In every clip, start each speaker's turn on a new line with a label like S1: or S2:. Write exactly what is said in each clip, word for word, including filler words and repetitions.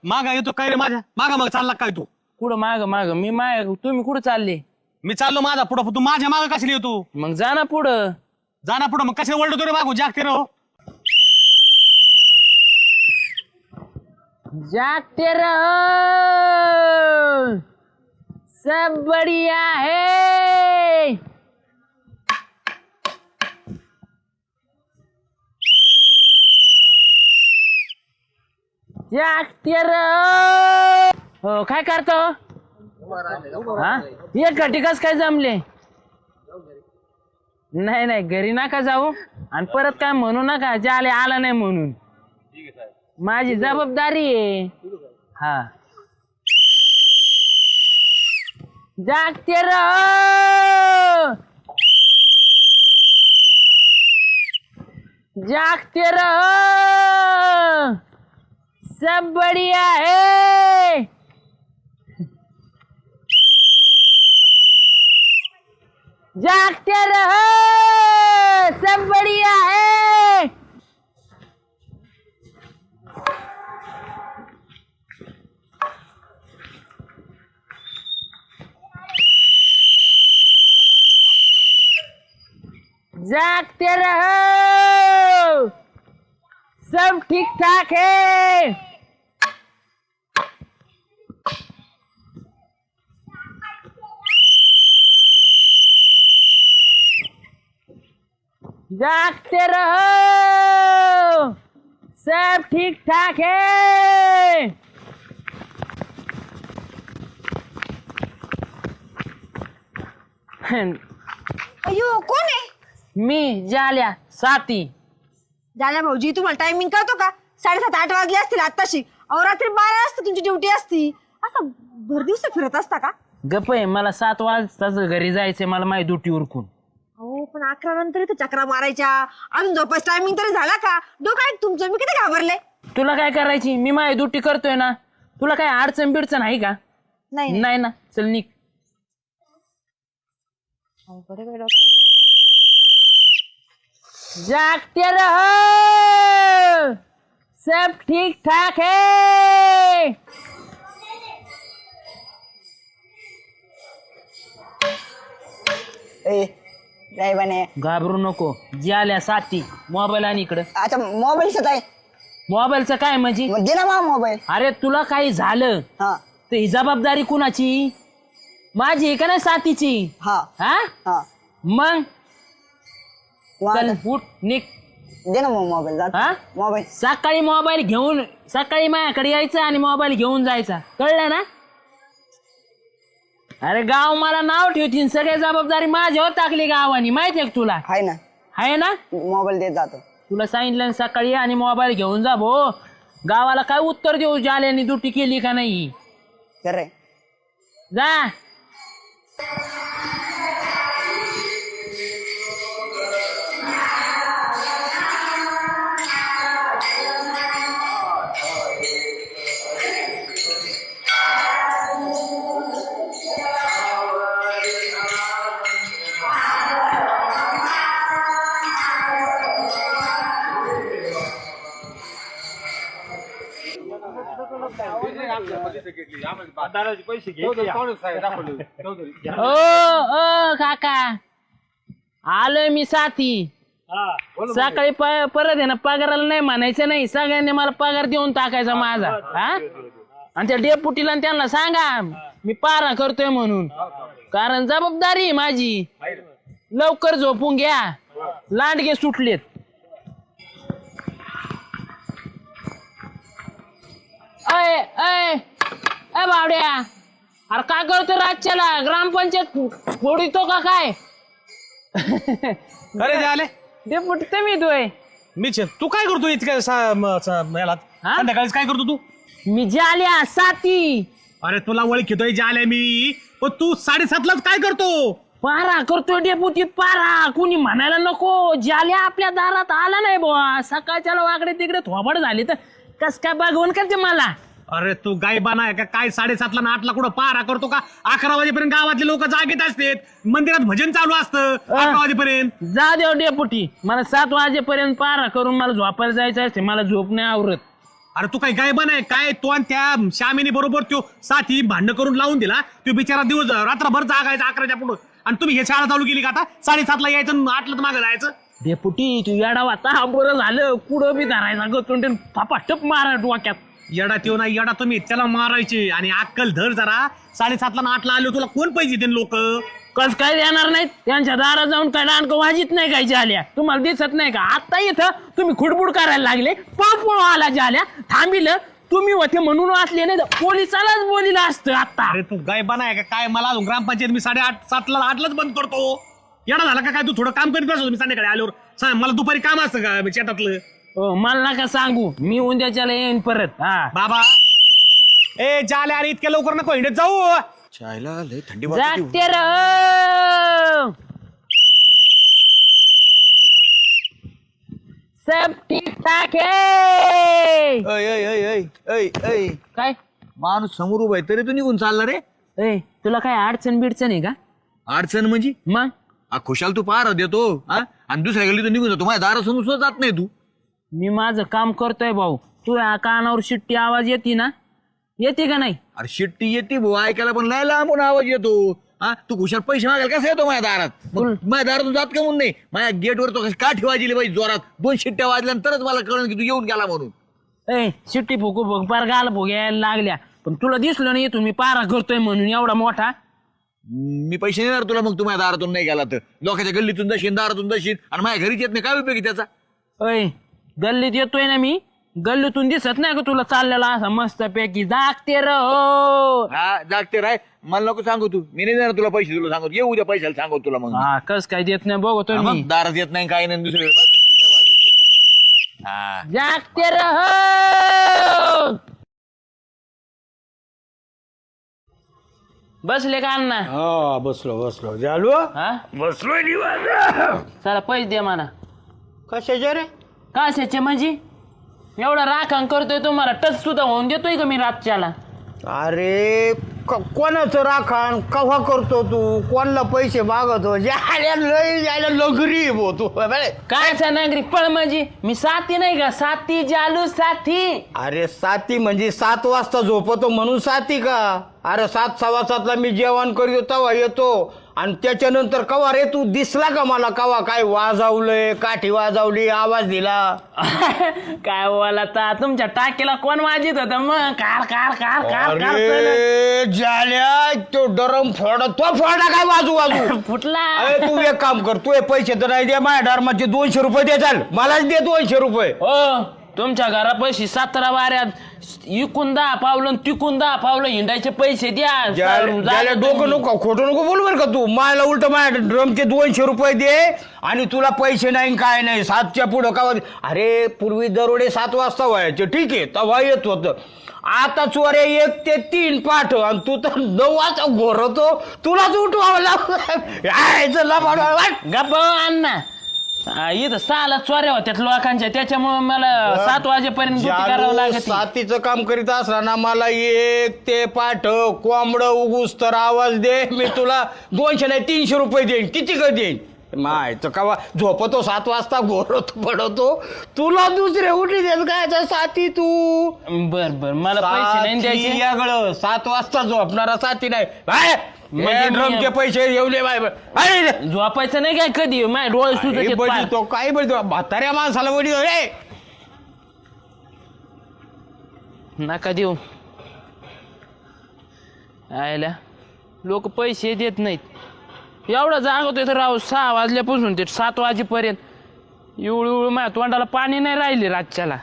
S1: मागा येतो काय रे माझ्या मागा मग चालला काय तू?
S2: कुठं माग माग मी माग तुम्ही कुठं चालले?
S1: मी चाललो माझा पुढं, तू माझ्या मागा कशाला येतो?
S2: मग जा ना पुढं.
S1: जाना पुढं मग कशाला वळतो रे मागू? जागते रे हो.
S2: जागते रहो, सब बढ़िया है. जागते रहो. हो काय करतो? हा एक घटिकाच काय जमले? नाही नाही घरी नका जाऊ आणि परत काय म्हणू नका जाले आला नाही म्हणून. माझी जबाबदारी आहे. हा जागते रहो, जागते रहो, सब बढ़िया है. जागते रहो, सब बढ़िया है. जागते रहो, सब ठीक ठाक है. जागते रहो, सब ठीक ठाक है.
S3: अयो कोण आहे?
S2: मी जाल्या साती.
S3: झाल्या भाऊजी तुम्हाला टायमिंग कळतो का? साडेसात आठ वाजले असतील आताशी. अहो रात्री बारा वाजता तुमची ड्युटी असती. असं भर दिवस फिरत असता का?
S2: गप आहे मला सात वाजताच घरी जायचंय मला माझी ड्युटी उरकून.
S3: हो पण अकरा नंतर इथे चक्रा मारायच्या. अजून झोपायचं टायमिंग तरी झाला का? डोकं आहे तुमचं. मी किती घाबरले.
S2: तुला काय करायची? मी माझी ड्युटी करतोय ना. तुला काय अडचण बिडचण आहे का?
S3: नाही
S2: नाही ना. चल निघ. जागते रहो, सब ठीक ठाक है.
S4: ए काय बने
S2: घाबरू नको. ज्याल्या साथी मोबाईल आणि इकडं.
S4: आता मोबाईलच आहे.
S2: मोबाईलचं काय म्हणजे?
S4: मग दे ना मा मोबाईल.
S2: अरे तुला काही झालं
S4: हा
S2: तर ही जबाबदारी कुणाची? माझी आहे का नाही साथीची?
S4: हा
S2: हा
S4: हा
S2: मग
S4: मग
S2: चल
S4: आता
S2: उठ निघ.
S4: दे ना मग मोबाईल. जा
S2: हा
S4: मोबाईल.
S2: सकाळी मोबाईल घेऊन सकाळी माझ्याकडे यायचं आणि मोबाईल घेऊन जायचा. कळलं ना? अरे गाव मला नाव ठेवतील. सगळी जबाबदारी माझ्यावर टाकली गावानी. माहितीये का तुला?
S4: आहे ना
S2: आहे ना?
S4: मोबाईल देत जातो.
S2: तुला सांगितलं सकाळी आणि मोबाईल घेऊन जा भो. गावाला काय उत्तर देऊ जाल्याने ड्युटी केली का नाही?
S4: खरे
S2: जा. ओ ओ काका आलोय मी साथी. सकाळी प- परत आहे ना पगाराला नाही म्हणायचं नाही. सगळ्यांनी मला पगार देऊन टाकायचा माझा. हा आणि त्या डेपुटीला आणि त्यांना सांगा मी पारा करतोय म्हणून. कारण जबाबदारी आहे माझी. लवकर झोपून घ्या. लांडगे सुटलेत. अय अय अय बावड्या अरे काय करतो रातच्याला? ग्रामपंचायत फोडितो का काय?
S1: अरे ते आले
S2: डेपुटी तुम्ही तोय.
S1: मीच आहे. तू काय करतो इतक्या सा- म- सा- याला
S2: हा?
S1: संध्याकाळीच काय करतो तू?
S2: मी जाल्या साथी.
S1: अरे तुला ओळखीतोय जे आले मी. पण तू साडेसातलाच काय करतो?
S2: पारा करतोय डेपुटी पारा. कुणी म्हणायला नको. जाल्या आपल्या दारात आला नाही बुवा. सकाळच्याला वाकडे तिकडे थोबड झाली तर कस काय बघवून करते मला?
S1: अरे तू गायबाना आहे का काय? साडेसातला ना आठला कुठं पारा करतो का? अकरा वाजेपर्यंत गावातले लोक जागेत असतात. मंदिरात भजन चालू असतं अकरा वाजेपर्यंत.
S2: जा देव डेपुटी. मला सात वाजेपर्यंत पारा करून मला झोपायला जायचं असते. मला झोप नाही आवरत.
S1: अरे तू काही गायबा नाही काय तो आणि त्या श्यामीने बरोबर तो साथी भांडण करून लावून दिला तो बिचारा दिवस रात्रभर जागायचा अकराच्या पुढं आणि तुम्ही हे शाळा चालू केली का आता साडेसातला यायचं आणि आठला तर मागं जायचं.
S2: डेपुटी तू येडा वाचा बरं झालं कुठं बी धरायचा गतोंडे थापाटप मारा डोक्यात.
S1: येडा त्यो नाही येडा तुम्ही त्याला मारायचे आणि अक्कल धर जरा साडेसातला ना आठला आलो तुला कोण पाहिजे ते लोक
S2: कस काय देणार नाहीत त्यांच्या दारात जाऊन काय डाणकं वाजित नाही काय झाल्या तुम्हाला दिसत नाही का आता इथं तुम्ही खुडबुड करायला लागले पळ पळ आला झाल्या थांबिलं तुम्ही होते म्हणून वाचले नाही पोलिसालाच बोलिलं असतं आता.
S1: अरे तू गायबा नाही का काय मला अजून ग्रामपंचायत मी साडेआठ सातला आठलाच बंद करतो. येडा झाला का काय तू थोडं काम करीत असतो मी संध्याकाळी आल्यावर सांग मला दुपारी काम असतं का शेतातलं.
S2: हो, मला नका सांगू मी उद्याच्याला येईन परत. हा
S1: बाबा ए जाले अरे इतक्या लवकर नको हिंडत जाऊ.
S5: चायला लय थंडी
S2: जागते रहो सब ठीक ठाक है. काय
S5: माणूस समोर उभा आहे तरी तू निघून चालला रे.
S2: ए तुला काय अडचण बिडचण आहे का
S5: अडचण म्हणजे
S2: मग
S5: आ, खुशाल तू पार देतो हा आणि दुसऱ्या गल्ली तू निघून जातो माझ्या दारासमोर सुद्धा जात नाही तू.
S2: मी माझं काम करतोय भाऊ तू या कानावर शिट्टी आवाज येते ना येते का नाही.
S5: अरे शिट्टी येते भाऊ ऐकायला पण लय लांबून आवाज येतो. हा तू खुशाल पैसे मागायला कसा येतो माझ्या दारात मग माझ्या दारातून जात का म्हणून नाही माझ्या गेटवर तो कशी काठी वाजली पाहिजे जोरात दोन शिट्ट्या वाजल्यानंतरच मला कळलं की तू येऊन गेला म्हणून.
S2: ए शिट्टी फुकू फुक पार गाल भोग्याला लागल्या पण तुला दिसलं नाही तुम्ही पारा करतोय म्हणून एवढा मोठा.
S5: मी पैसे देणार तुला मग तू माझ्या दारातून नाही गेला तर लोकांच्या गल्लीतून जाशील दारातून जाशील आणि माझ्या घरीच येत नाही काय उपयोगी त्याचा.
S2: अय गल्लीत येतोय ना मी गल्लीतून दिसत नाही का तुला चाललेला असा मस्त पैकी जागते रहो.
S5: हा जागते राय मला नको सांगू तू मी नाही देणार तुला पैसे तुला सांगतो येऊ उद्या पैशाला सांगू तुला मग.
S2: हा कस काय देत नाही बघतोय
S5: हा,
S2: मी.
S5: मग दारात येत नाही काही नाही दुसरीकडे बस किती आवाज येतो. हा
S2: जागते रहो. बसले का अण्णा.
S6: हा बसलो बसलो झालो
S2: हा
S6: बसलोय निवांत.
S2: चला पैसे दे मला.
S6: कशाचे रे
S2: कशाचे म्हणजे एवढा राखण करतोय तुम्हाला टच सुद्धा होऊन देतोय का मी रातच्याला.
S6: अरे क- कोणाचं राखण कव्हा करतो तू कोणाला पैसे मागतो जायला लय जायला लगरी बो तू बरे.
S2: कायचा नागरिक पळ म्हणजे मी साथी नाही का साथी जालू साथी.
S6: अरे साती म्हणजे सात वाजता झोपतो म्हणून साती का. अरे सात सव्वा सातला मी जेवण करतो तेव्हा येतो आणि त्याच्यानंतर कवा रे तू दिसला का मला कवा काय वाजवलंय काठी वाजवली आवाज दिला.
S2: काय बोला ता तुमच्या टाकीला कोण वाजित होत मग कार कार कार कार कार
S6: अरे झाल्या तो डरम फोडा तो फोडा काय वाजू वाजू
S2: फुटला.
S6: अरे तू एक काम कर तू हे पैसे तर नाही दे माझ्या धर्माचे दोनशे रुपये दे चाल मलाच दे दोनशे रुपये.
S2: हो तुमच्या घरा पैसे सतरा वाऱ्यात इकून दहा पावलं तिकून दहा पावलं हिंडायचे पैसे द्या.
S6: ज्याला डोकं नको खोटं नको बोल बर का तू मला उलट माझ्या ड्रमचे दोनशे रुपये दे आणि तुला पैसे नाही काय नाही सातच्या पुढं का अरे पूर्वी दरोडे सात वाजता व्हायचे ठीक आहे तेव्हा येत होतं आता चोऱ्या एक ते तीन पाठ आणि तू तर नऊ वाजता घोरतो तुलाच उठवावं लागलं.
S2: गप्प अण्णा इथं सहाला चोऱ्या होत्यात लोकांच्या त्याच्यामुळे मला सात वाजेपर्यंत ड्युटी करावं लागत.
S6: सातीचं काम करीत असताना मला एक ते पाठव कोंबड उगूस तर आवाज दे मी तुला दोनशे नाही तीनशे रुपये देईन किती का देईन माहित का झोपतो सात वाजता घोरतो पडवतो तुला दुसरे उठी देत काय साथी तू.
S2: बर बर मला पैसे नाही द्यायचे.
S6: यागळं सात वाजता झोपणारा साथी नाही बाय
S2: म्हणजे मी-
S6: ड्रमचे पैसे येऊले बाय बाय
S2: झोपायचं नाही काय कधी माझे डोळे सुद्धा
S6: तो काय बळतो म्हाताऱ्या माणसाला बळी रे
S2: नका देऊ. आयला लोक पैसे देत नाहीत एवढा जागवतोय तर राव सहा वाजल्यापासून ते सात वाजेपर्यंत इवळ इवळ माझ्या तोंडाला पाणी नाही राहिले रातच्याला.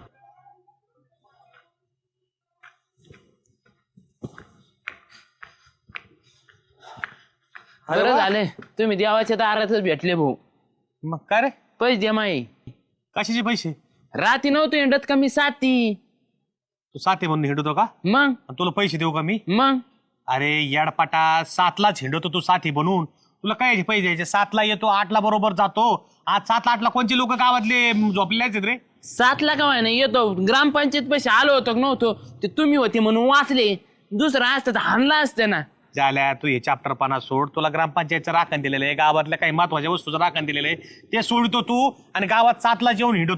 S2: बरं झाले तुम्ही देवाच्या दारातच भेटले भाऊ.
S1: मग काय रे
S2: पैसे द्या माई.
S1: कशाचे पैसे.
S2: राती नव्हतो हिंडत का मी साथी.
S1: तू साथे म्हणून हिंडतो का
S2: मग
S1: आणि तुला पैसे देऊ का मी.
S2: मग
S1: अरे याडपाटा सातलाच हिंडतो तू साथी बनून तुला काय पैसे द्यायचे सातला येतो आठला बरोबर जातो. आज सात आठला कोणचे लोक गावातले झोपलेले आहेत रे.
S2: सातला का व्हाय नाही येतो ग्रामपंचायत पैसे आलो होतो का नव्हतो ते तुम्ही होते म्हणून वाचले दुसरं असतं तर हाणला असतं ना.
S1: झाल्या तू हे चॅप्टर पाना सोड तुला ग्रामपंचायतचं राखण दिलेलं आहे गावातल्या काही महत्वाच्या वस्तूचं राखण दिलेलं आहे ते सोडतो तू आणि गावात सातला जेवण हिंडतो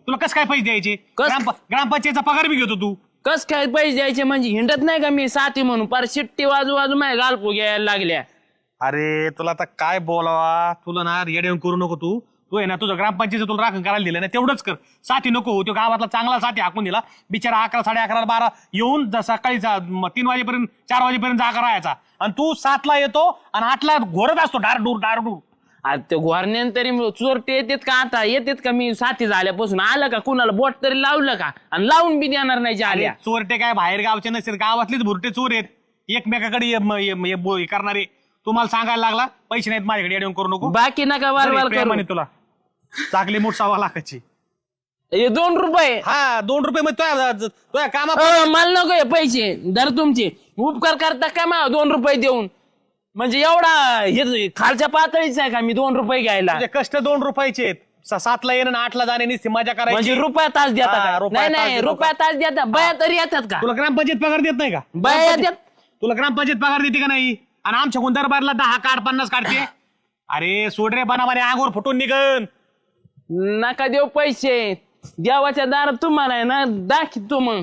S1: तुला कसं काय पैसे द्यायचे
S2: कस-
S1: ग्राम ग्रामपंचायतचा पगार बी घेतो तू.
S2: कस काय पैसे द्यायचे म्हणजे हिंडत नाही का मी साथी म्हणून पार शिट्टी वाजू वाजू माझ्या गालपू घ्यायला लागल्या.
S1: अरे तुला आता काय बोलावा, तुला ना येऊन करू नको तू तू आहे ना तुझं ग्रामपंचायत तुला राखण करायला दिलं ना तेवढंच कर. साथी नको तो गावातला चांगला साथी हाकून दिला बिचारा अकरा साडे अकरा बारा येऊन ज- सकाळी जा- म- तीन वाजेपर्यंत चार वाजेपर्यंत जागा राहायचा आणि तू सातला येतो आणि आठला घोरत असतो डारडूर डारडूर.
S2: आता ते घोरण्यान तरी चोरटे येतात का आता येतात का मी साथी झाल्यापासून आलं का कुणाला बोट तरी लावलं का आणि लावून बी देणार नाही आल्या.
S1: चोरटे काय बाहेर गावचे नसतील गावातलेच भुरटे चोर आहेत एकमेकाकडे ये- म- ये- ये- बो- हे करणारे. तुम्हाला सांगायला लागला पैसे नाहीत माझ्याकडे येऊन करू नको.
S2: बाकी नका वार वार करू.
S1: म्हणे तुला चाकली मूठ सव्वा लाखाची.
S2: हे दोन रुपये
S1: हा दोन रुपये मग तुझ्या तुझ्या कामा
S2: अ, मला नको हे पैसे दर तुमचे उपकार करता काय मला दोन रुपये देऊन म्हणजे एवढा हे खालच्या पातळीच आहे का मी दोन रुपये घ्यायला
S1: तुझे कष्ट दोन रुपयाचे आहेत. स- सातला येणं आणि आठला जाणे नुसती मजा
S2: म्हणजे
S1: करायची.
S2: रुपया तास देता
S1: हा,
S2: का?
S1: रुपया
S2: नाही
S1: तास
S2: नाही
S1: देतो
S2: रुपया तास देता बया तरी येतात का?
S1: तुला ग्रामपंचायत पगार देत नाही का?
S2: बया येतात
S1: तुला ग्रामपंचायत पगार देते का नाही? आणि आमच्या दरबारला दहा काढ पन्नास काढते. अरे सोड रे बनामाने अंगोर फुटून निघन.
S2: नका देऊ पैसे देवाच्या दारात तुम्हाला आहे ना दाखवतो मग.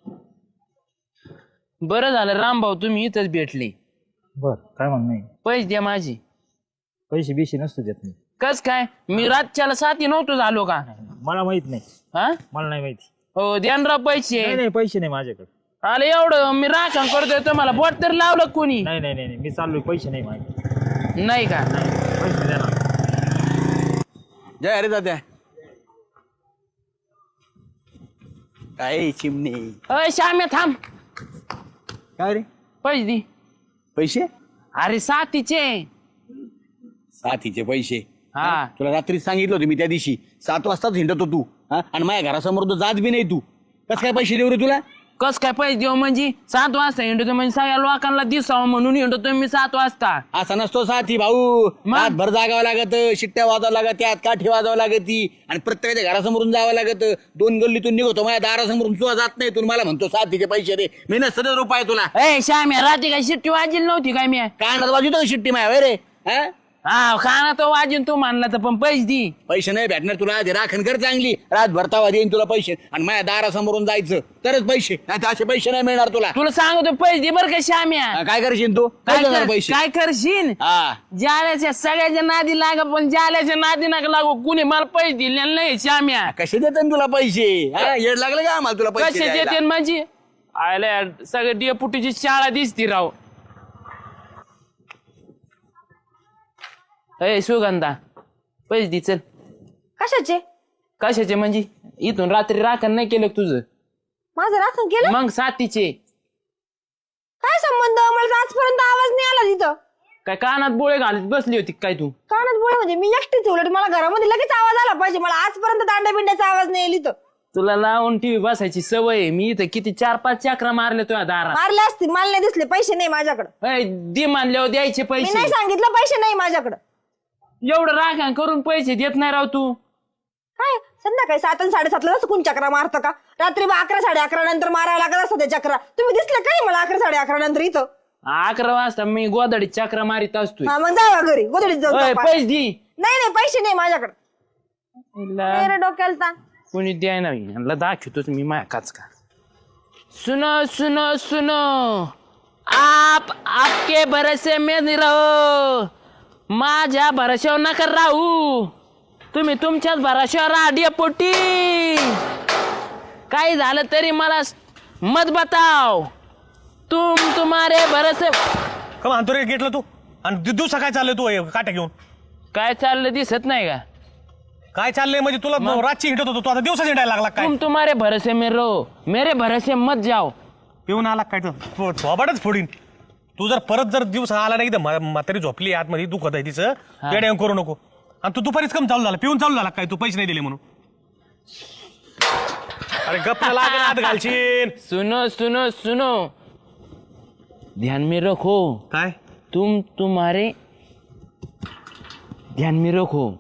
S2: बरं झालं रामभाऊ तुम्ही इथंच भेटले.
S7: बर काय म्हणणं आहे?
S2: पैसे द्या माझे.
S7: पैसे बिशे नसतो देत नाही.
S2: कस काय मी रातच्याला साथी नव्हतो झालो का?
S7: मला माहित नाही,
S2: हा
S7: मला नाही माहिती.
S2: हो ध्यान राव पैसे.
S7: नाही नाही पैसे नाही माझ्याकडे.
S2: आले एवढं मी राखण करतोय तुम्हाला बोट तर लावलं कोणी
S7: नाही नाही नाही नाही, मी चाललोय, पैसे नाही माझे.
S2: नाही का?
S7: पैसे द्या ना.
S5: जय अरे दादा काय चिमणे
S2: अय श्याम्या थांब
S5: काय रे
S2: पैसे दे.
S5: पैसे
S2: अरे साथीचे.
S5: साथीचे पैसे
S2: हा
S5: तुला रात्री सांगितलं होतं मी त्या दिवशी सात वाजताच हिंडतो तू हा आणि माझ्या घरासमोर तो जात बी नाही तू कस काय पैसे देऊ रे तुला
S2: कस काय पैसे देऊ म्हणजे सात वाजता हिंडतो म्हणजे सगळ्या लोकांना दिसावं म्हणून हिंडतो मी सात वाजता.
S5: असा नसतो साथी भाऊ रात भर जागावं लागत शिट्ट्या वाजावं लागत त्यात काठी वाजावं लागत ती आणि प्रत्येकाच्या घरासमोरून जावं लागत. दोन गल्लीतून निघतो माझ्या दारासमोरून सुद्धा जात नाही तू मला म्हणतो साथीचे पैसे दे मी नसतं रुपये तुला
S2: ए श्याम्या रात्री काय शिट्टी वाजली नव्हती काय मी?
S5: कानात वाजवतो शिट्टी माया रे हा
S2: हा खाना तो वाजून तू मानला तर पण पैसे दे.
S5: पैसे नाही भेटणार तुला आधी राखण कर चांगली रात भरतावा देईन तुला पैसे आणि माझ्या दारासमोरून जायचं तरच पैसे नाही तर असे पैसे नाही मिळणार तुला.
S2: तुला सांगतो पैसे दे बरं का श्याम्या.
S5: हा, काय करशील तू
S2: काय
S5: काय देणार
S2: कर-
S5: पैसे
S2: काय करशील?
S5: हा
S2: जाल्याच्या सगळ्याच्या नादी लाग पण जाल्याच्या नादी नका लागू कुणी मला पैसे दिले नाही श्याम्या.
S5: कसे देतात तुला पैसे हा येड लागलं का आम्हाला तुला पैसे
S2: कसे
S5: द्यायला?
S2: देते माझी आयला सगळे डेपुटीची शाळा दिसती राव. ए सुगंधा पैसे दे चल.
S3: कशाचे?
S2: कशाचे म्हणजे इथून रात्री राखण नाही केलं का तुझं?
S3: माझं राखण केलं?
S2: मग साथीचे
S3: काय संबंध? मला तर आजपर्यंत आवाज नाही आला तिथं.
S2: काय कानात बोळे घालत बसली होती काय तू?
S3: कानात बोळे म्हणजे मी एकटीच उलट मला घरामध्ये लगेच आवाज आला पाहिजे. मला आजपर्यंत दांड्या बिंड्याचा आवाज नाही आली तर
S2: तुला लावून टीव्ही बसायची सवय आहे. मी इथं किती चार पाच चक्रा मारले तुझ्या दारात.
S3: मारले असतील, मला नाही दिसले. पैसे नाही माझ्याकडे.
S2: ए, दे मानल्यावर द्यायचे
S3: मी
S2: पैसे.
S3: नाही सांगितलं पैसे नाही माझ्याकडे.
S2: एवढं राखण करून पैसे देत नाही राव तू.
S3: काय संध्याकाळी सात आणि साडेसातला जसं कोण चक्रा मारतं का? रात्री बा अकरा साडे अकरा नंतर मारावं लागत असतं ते चक्रा. तुम्ही दिसले काय मला अकरा साडे अकरा नंतर इथं?
S2: अकरा वाजता मी गोदाडी चक्रा मारित असतोय.
S3: हा मग जावा घरी गोधडीत जाऊ.
S2: ओय,
S3: झोपा.
S2: पैसे दे.
S3: नाही नाही पैसे नाही माझ्याकडे.
S2: हिला
S3: नाही रे डोक्याला ताण.
S2: कोणी द्याय नाही ह्यांना दाखवतोच मी माया काच का. सुनो सुनो सुनो आप आपके भरोसे में नहीं रहो. माझ्या भरोश्यावर नका राहू. तुम्ही तुमच्याच भरोश्यावर राहा पोटी. काही झालं तरी मला मत बताव. तुम तुम्हारे भरोसे.
S1: का म्हणतो रे गेटला तू आणि दि- दिवसा काय चाललंय तू हे काट्या घेऊन?
S2: काय चाललं दिसत नाही का?
S1: काय चाललंय म्हणजे तुला रातची हिंडत होतो तू आता दिवसा हिंडायला लागला काय?
S2: तुम तुम्हारे भरोसे में रहो मेरे भरोसे मत जाओ.
S1: पिऊन आला काय तर थोबाडच फोडीन. तू जर परत जर दिवस आला नाही तर म्हा- म्हातारी झोपली आतमध्ये दुखत आहे तिचं येड्या करू नको. आणि तू दुपारीच कम चालू झाला पिऊन चालू झाला काय तू पैसे नाही दिले म्हणून? अरे गप्प लागेल हात घालशील.
S2: सुनो सुनो सुनो ध्यान में रखो.
S1: काय
S2: तुम तुम्हारे ध्यान में रखो.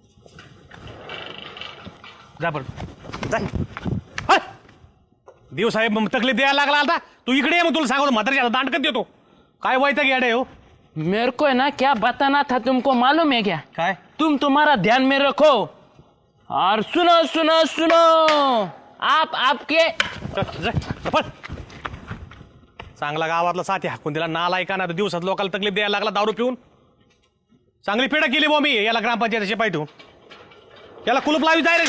S1: जा बरं जा. हट. देव साहेब मग तकलीफ द्यायला लागला आता तू इकडे ये मग तुला सांगतो म्हातारीच्या हातात दांडकत देतो. काय वाईट गेडे हो
S2: मेरे को है ना क्या बताना था तुमको मालूम है क्या?
S1: काय?
S2: तुम तुम्हारा ध्यान में रखो और सुनो सुनो सुनो आप आपके
S1: चल, जा, पळ. चांगला गावातला साथी हाकून दिला नालायका ना दिवसात लोकांना तकलीफ द्यायला लागला दारू पिऊन. चांगली पेढा केली बो मी याला ग्रामपंचायत शिपाई ठेवून. याला कुलूप लावी जाय रे.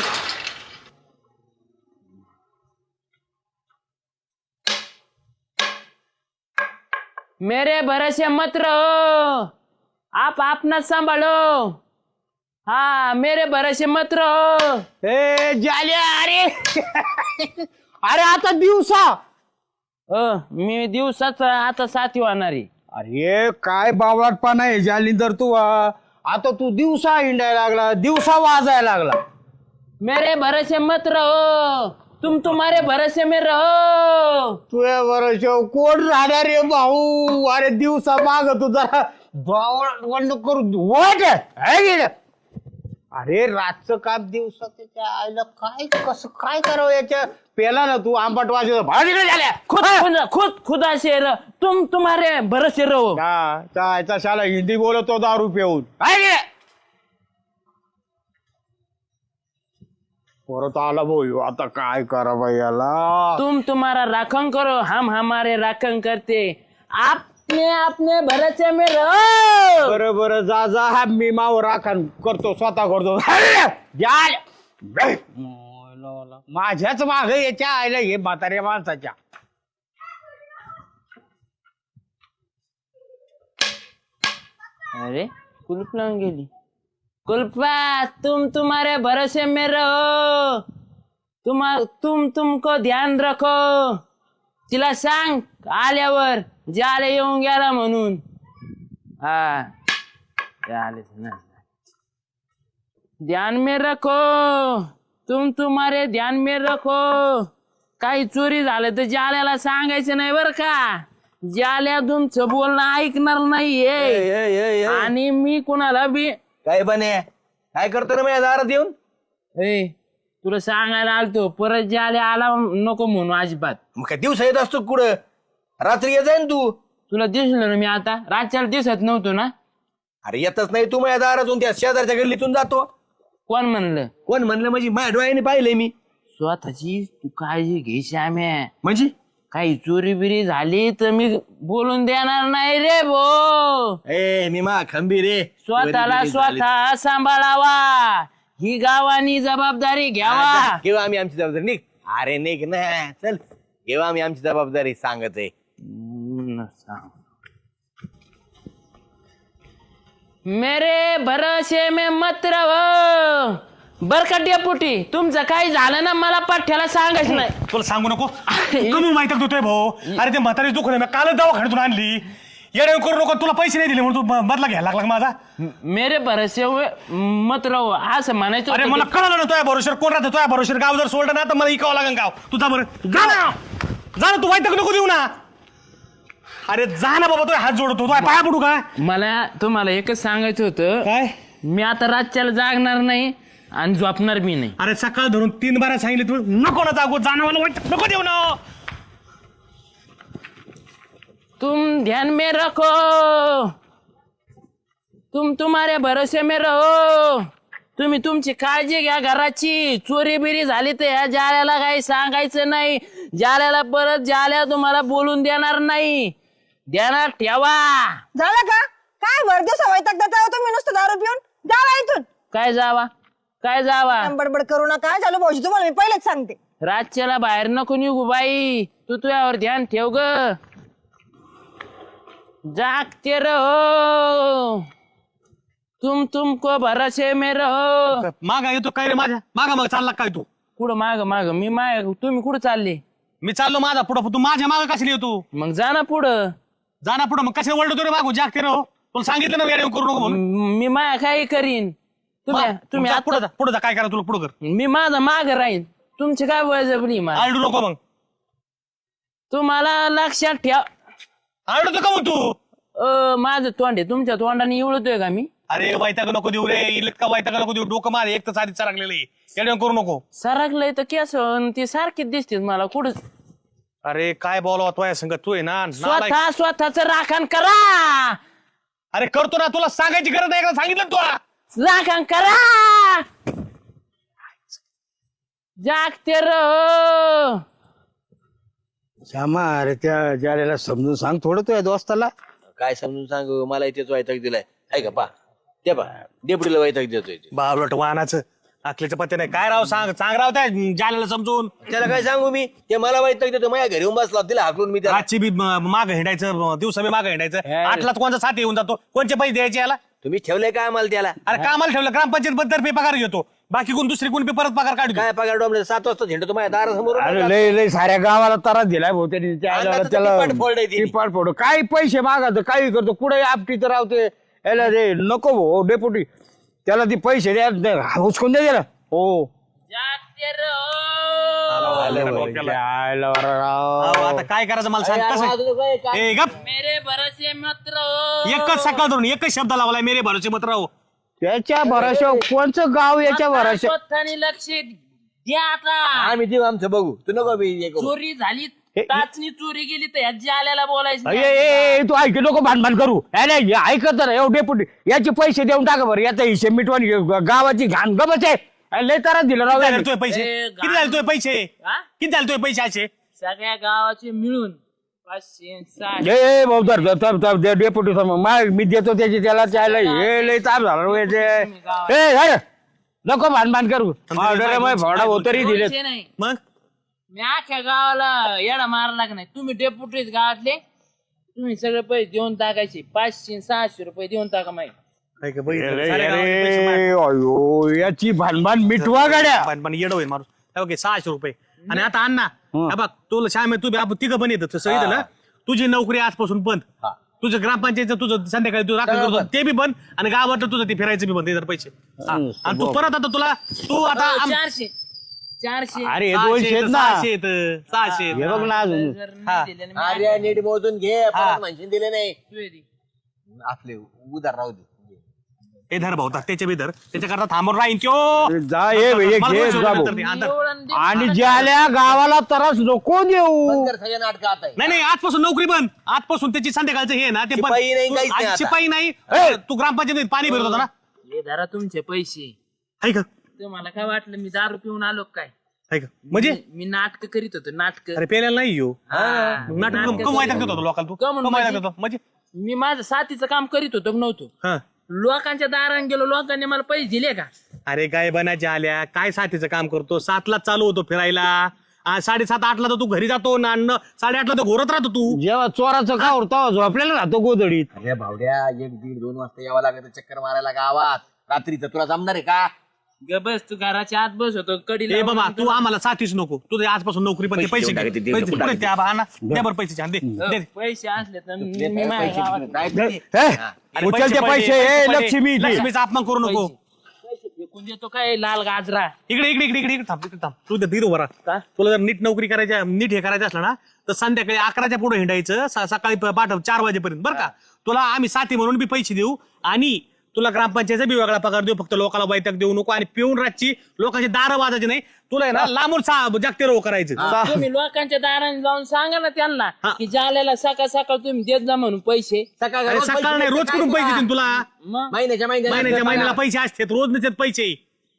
S2: मेरे भरोसे मत रहो, आप अपना संभालो. हाँ मेरे भरोसे मत रहो.
S6: ए जाल्या अरे अरे आता दिवसा
S2: अ मी दिवसाच आता साथी होणार आहे.
S6: अरे काय बावळटपणा आहे जालिंदर तू आ. आता तू दिवसा हिंडायला लागला दिवसा वाजायला लागला.
S2: मेरे भरोसे मत रहो, तुम तुम्हारे भरोसे में रहो.
S6: तुझ्या बरोबर कोण राहणार रे भाऊ. अरे दिवसा माग तू जरा बावळ करू वाट अरे रातचं काम दिवसा त्याच्या आईला काय कसं काय करावं याच्या पेला ना तू आंबट वाजव भाडीकडे झाल्या
S2: खुद खुद खुद खुदा से रहो, तुम तुम्हारे भरोसे रहो.
S6: चायचा शाला हिंदी बोलतो दारू पिऊन काय रे परत आला भाऊ आता काय करा बाई याला.
S2: तुम तुम्हारा राखण करो, हम हमारे राखण करते. आपने अपने भरोसे में रहो.
S6: बरं बरं जा जा हा मी माव राखण करतो स्वतः करतो जाल. माझ्याच माग याच्या आईला हे म्हाताऱ्या माणसाच्या.
S2: अरे कुलूप लावून गेली. कुलपा तुम तुम्हारे भरोसे में रहो, तुम तुम तुमको ध्यान रखो. तिला सांग आल्यावर जाले येऊन गेला म्हणून. हा आलेच ना. ध्यान में रखो, तुम तुम्हारे ध्यान में रखो. काही चोरी झालं तर जाल्याला सांगायचं नाही बर का. जाल्या तुमचं बोलणं ऐकणार नाहीये आणि मी कुणाला बी.
S5: काय बने काय करतो ना माझ्या दारात येऊन.
S2: ए तुला सांगायला आलतो परत जाल्या आला नको म्हणून अजिबात.
S5: मग काय दिवस येत असतो कुठं रात्री येत जाईन तू.
S2: तुला दिसलं ना मी आता रातच्याला दिसत नव्हतो ना.
S5: अरे येतच नाही तू माझ्या दारातून त्या शेजारच्या गल्लीतून जातो.
S2: कोण म्हणलं.
S5: कोण म्हणलं म्हणजे माझ्या डोळ्याने पाहिलंय मी.
S2: स्वतःची तू काळजी घे श्याम्या.
S5: म्हणजे
S2: काही चोरी बिरी झाली तर मी बोलून देणार नाही रे भो.
S5: ए मी मा खंबी रे.
S2: स्वतःला स्वतः सांभाळावा ही गावानी जबाबदारी घ्यावा.
S5: घेऊ आम्ही आमची जबाबदारी. निघ अरे निघ ना चल घेऊ आम्ही आमची जबाबदारी सांगत आहे.
S2: मेरे भरोसे में मत रहो. बर का डेपुटी तुमचं काही झालं ना मला पाठ्याला सांगायचं नाही.
S1: तुला सांगू नको कमी माहिती देतोय भाऊ. अरे ते म्हातारी दुखत मी कालच दवाखान्यातून आणली. येडे करू नको तुला पैसे नाही दिले म्हणून तू बदला घ्यायला लागला माझा.
S2: मेरे भरोसे मत राहू असं म्हणायचं.
S1: अरे मला कळलं ना तुझ्या भरोश्यावर कोण राहतं. तुझ्या भरोश्यावर गाव जर सोडलं ना तर मला इकावं लागेल गाव. तुझा बरं जा ना जा ना तू वाईटक नको देऊ ना. अरे जा ना बाबा तुझ्या हात जोडतो तुझ्या पाया पडू का.
S2: मला तुम्हाला एकच सांगायचं होतं
S1: काय
S2: मी आता रातच्याला जागणार नाही आणि झोपणार बी नाही.
S1: अरे सकाळ धरून तीन बारा सांगितले तू नको ना जागो जाणं मला वाईट नको देऊ ना.
S2: तुम ध्यान में रखो, तुम तुम्हारे भरोसे में रहो. तुम्ही तुमची काळजी घ्या घराची. चोरी बिरी झाली तर ह्या जाल्याला काही सांगायचं नाही. जाल्याला परत जाल्या तुम्हाला बोलून देणार नाही. ध्यानात ठेवा.
S3: झालं का काय भर दिवसा वैताग देता हो तुम्ही नुसतं दारू पिऊन. जावा इथून.
S2: काय जावा काय जावा.
S3: बडबड करू नका. झालं भाऊजी तुम्हाला मी पहिलेच सांगते.
S2: रातच्याला बाहेर नको निघू बाई. तू तुझ्यावर ध्यान ठेव ग. जागते रहो, तुम तुमको भरोसे में रहो.
S1: मागा येतो काय रे माझ्या मागा मग चालला काय तू.
S2: कुठं माग माग मी माग तुम्ही कुठं चालले.
S1: मी चाललो माझा पुढं तू माझ्या मागा कशी येतो.
S2: मग जा ना पुढं.
S1: जा ना पुढं मग कशाला वळतो रे मागू जागते रे. तुला सांगितलं ना येडे करू नको म्हणून.
S2: म- मी माया काही करीन. तुम्ही तुम्ही
S1: जा,
S2: आता-
S1: पुढं जा पुढं जा काय करा तुला पुढं कर.
S2: मी माझा माग राहीन. तुमची काय बळजबरी मला.
S1: आरडू नको मग.
S2: तुम्हाला लक्षात ठेव.
S1: आरडतो का मग तू.
S2: अ माझं तोंड आहे तुमच्या तोंडाने इवळतोय का मी.
S1: अरे वैताग नको देऊ रे. इतका वैताग नको देऊ. डोकं मार एक तर साधी चरकलेलं आहे. येडे करू नको.
S2: सरकलंय तर केस अन ते सारखीच दिसते मला कुठं.
S1: अरे काय बोलावं तो या संगत तू आहे ना नालायक.
S2: स्वतः स्वतःच राखण करा.
S1: अरे करतो ना तुला सांगायची गरज नाही. एकदा सांगितलं ना तुला.
S2: राखण करा. जागते रहो.
S6: श्यामा अरे त्या ज्याला समजून सांग थोडं तुझ्या दोस्ताला.
S5: काय समजून सांगू मला इथेच वैताग दिलाय आहे का पा ते पा डेपुटीला वैताग देतोय ते.
S1: बावलट वाहनाचं अकलेचं पत्ते नाही काय राव सांग सांग राव त्या जाल्याला समजून.
S5: त्याला काय सांगू मी ते मला वैताग देतो माझ्या घरी येऊन बसला तिला हाकलून मी त्याला.
S1: रातची बी माग हिंडायचं दिवसा बी माग हिंडायचं आठलाच कोणता साथी येऊन जातो कोणचे पैसे द्यायचे याला.
S5: तुम्ही ठेवलंय काय आम्हाला त्याला
S1: अरे कामाला ठेवलं ग्रामपंचायत बद्दल पगार घेतो बाकी कोण दुसरी कोण बी परत पगार काढतो.
S5: काय पगार डोंबले सात वाजता झेंडतो माझ्या दारासमोर.
S6: अरे लय लय साऱ्या गावाला त्रास दिलाय भाऊ त्यांनी त्या
S5: अंगाचं
S6: आल्याला त्याला
S5: टिपाट फोडलंय त्यांनी.
S6: टिपाट फोड काही पैसे मागत काही करतो कुठे आपटी तर राहते याला रे नको भाऊ डेपुटी त्याला ती पैसे द्या हुसकून द्या त्याला. हो
S2: जागते रहो.
S6: जायला बरं राव.
S1: अहो, आता काय करायचं मला सांग कसं ए गप
S2: मेरे भरोसे मत रहो.
S1: एकच सकाळ धरून एकच शब्द लावलाय मेरे भरोसे मत राहू.
S6: त्याच्या भरोशा कोणचं गाव याच्या भरोशा.
S2: स्वतःनी लक्ष द्या आता.
S5: आम्ही देऊ आमचं बघू तू नको बी हे करू.
S2: चोरी झाली टाचणी चोरी गेली तर ह्याची आल्याला बोलायचं
S6: ए,
S2: नाही.
S6: ए, ए, तू ऐक नको भानभान करू ए, नाही ऐकत तर एवढे डेपुटी याचे पैसे देऊन टाका बरं याचा हिशेब मिटवानी गावाची घाण गमच आहे. अरे, लय तारा दिलं राव
S1: किती झाले
S6: यांनी.
S1: तुझे पैसे
S2: ए,
S1: किती झाले तुझे पैसे
S2: हा?
S1: किती झाले तुझे पैसे असे.
S2: सगळ्या गावाचे मिळून पाचशे सहाशे.
S6: ए ए, भाऊ धर धर, धर, धर, दे, डेपुटी समोर मा- मी देतो त्याची त्याला त्याला हे लय ताप झाला राव याचे. ए अरे नको भानभान करू भाडा होतरी दिले.
S2: पैसे नाही.
S1: मग
S2: मी अख्ख्या गावाला येडा मारला का नाही. तुम्ही डेपुटीच गावातले तुम्ही सगळे पैसे देऊन टाकायचे पाचशे सहाशे रुपये देऊन टाका माहिती.
S1: काय का बघितलं?
S6: अरे,
S1: साऱ्या गावाला पैसे
S6: अरे,
S1: मार-
S6: अयो याची भानभान मिटवा गाड्या.
S1: पण पण येडो होईल माणूस हे बघ, हे सहाशे रुपये आणि आता अण्णा हे बघ तुला श्याम तू बी आपण तिघं पण येतं तसं येतं ना. तुझी नोकरी आजपासून बंद तुझं ग्रामपंचायतचं तुझं संध्याकाळी तू राखण करतो ते बी बंद आणि गावातलं तुझं ते फिरायचं बी बंद ते जर पैसे हा. आणि तू परत आता तुला तू आता आम-
S2: चारशे चारशे
S6: अरे हे
S1: सहाशे
S6: दोनशे आहेत
S1: येतं,
S6: ना
S1: सहाशे येतं, सहाशे येतं.
S6: हे बघ ना अजून
S2: जर नाही दिले ना,
S5: अरे नीट मोजून घे परत म्हणशील दिले नाही
S2: तू ये दे.
S5: आपले उधार राहू दे.
S1: हे धर भाऊ त्याच्या बी धर त्याच्याकरता थांबून राहीन त्यो
S6: जा ये हे घे
S1: मला दोनशे
S6: जा
S1: रुपये
S6: भाऊ.
S1: नंतर दे, हा, धर.
S2: एवढं दे.
S6: आणि ज्याल्या गावाला त्रास नको देऊ.
S5: बंद कर सगळ्या नाटक आता
S1: नाही नाही आजपासून नोकरी बंद आजपासून त्याची संध्याकाळचं हे आहे ना ते बंद.
S5: शिपाई नाही,
S1: तू-
S5: काहीच नाही
S1: आज
S5: आता.
S1: शिपाई नाही तू ग्रामपंचायतीत पाणी भरत होता ना
S2: हे धरा तुमचे पैसे.
S1: आहे का
S2: तुम्हाला काय वाटलं मी दारू पिऊन आलो काय.
S1: आहे का म्हणजे
S2: मी नाटक करीत होतो नाटक.
S1: अरे पेल्याला नाही येऊ नाटक कमायला देतो लोकांना तू
S2: कमवून
S1: कमायला
S2: म्हणजे?
S1: देतो म्हणजे
S2: मी माझं साथीचं काम करीत होतो नव्हतो.
S1: हा
S2: लोकांच्या दारात गेलो लोकांनी मला पैसे दिले का.
S1: अरे काय बनायच्या आल्या काय साथीचं काम करतो सातला चालू होतो फिरायला आ, साडेसात आठला तर तू घरी जातो ना न- साडेआठला तर घोरत राहतो तू
S6: जेव्हा चोराचं का होता झोपलेला राहतो गोदडीत.
S5: अरे भावड्या एक दीड दोन वाजता यावं लागत चक्कर मारायला गावात रात्रीचं तुला जमणार आहे का.
S2: ग बस तू घराच्या आत बस होतो कडी
S1: ए बाबा तू आम्हाला साथीच नको तुझे आजपासून नोकरी पण ते पैसे घे. पैसे पुढे त्या बहाना द्या बरं पैसे छान दे दे.
S2: पैसे असले तर मी मी माझ्या गावात
S6: हे,
S1: अरे
S6: उचल ते पैसे
S1: पैसे
S6: ए
S1: पहिले.
S6: लक्ष्मी दे.
S1: लक्ष्मीचा अपमान करू नको
S2: पैसे फेकून देतो काय लाल गाजरा.
S1: इकडे इकडे इकडे इकडे इकडे थांब इकडे थांब तू धीर उभा राहा.
S2: का?
S1: तुला जर नीट नोकरी करायच्या नीट हे करायचं असलं ना तर संध्याकाळी अकराच्या पुढे हिंडायचं स- सकाळी प- पाठ चार वाजेपर्यंत बरं का. तुला आम्ही साथी म्हणून बी पैसे देऊ आणि तुला ग्रामपंचायतचा बी वेगळा पगार देऊ फक्त लोकांना वैताग देऊ नको आणि पिऊन रातची लोकांचे दारं वाजायचे नाही तुला आहे ना लांबून सा- जागते रो करायचं.
S2: तुम्ही लोकांच्या दाराने जाऊन सांगा ना त्यांना
S1: हा.
S2: की जाल्याला सकाळ सकाळ तुम्ही देत जा म्हणून पैसे.
S5: सकाळ
S1: अरे सकाळ नाही रोज कुठून पैसे देईन तुला
S2: मग
S5: महिन्याच्या
S1: महिन्याच्या
S5: महिन्याला
S1: महिन्याला पैसे असतात रोज नसतात पैसे.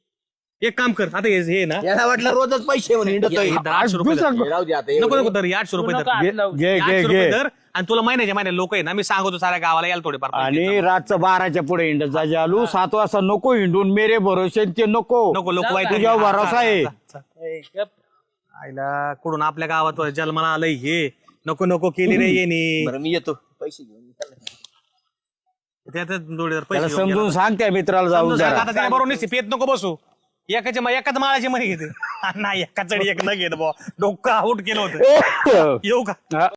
S1: एक काम कर आता हे हे ना
S5: याला वाटलं रोजच पैसे म्हणून हिंडतोय.
S1: हे दर आठशे रुपये धर.
S5: हे राहू दे आता
S1: नको
S5: एवढे.
S1: नको दर आठशे
S2: तू
S1: रुपये
S2: नका
S1: धर
S2: हात लावू.
S6: घे घे
S1: आठशे रुपये
S6: घे
S1: धर आणि तुला महिन्याच्या महिन्या लोक आहे ना मी सांगतो साऱ्या गावाला यायला थोडेफार पैसे
S6: आणि
S1: देतो.
S6: रातचं बाराच्या पुढे हिंडत जा जालू सात वाजता नको हिंडून मेरे भरोसे ते नको
S1: नको लोक
S2: जाऊ
S1: वाईट
S2: का?
S6: तुझ्यावर भरोसा आहे.
S2: ए, गप.
S1: आईला कुठून आपल्या गावात जन्माला आलंय हे नको नको केली रे येणे
S5: बरं मी येतो पैसे घेऊन
S1: त्यात जोडीदार
S6: त्याला
S1: पैसे घेऊन
S6: समजून
S1: गेला.
S6: सांग त्या मित्राला जाऊन
S1: समजून सांग,
S6: जरा.
S1: आता त्याला बरोबर नाही पेत नको बसू एकाच्या मा- एकाच माळाची मध्ये घेते नाही एका चढी एक न घेत बा डोकं आउट केलं होतं येऊ का
S6: हा.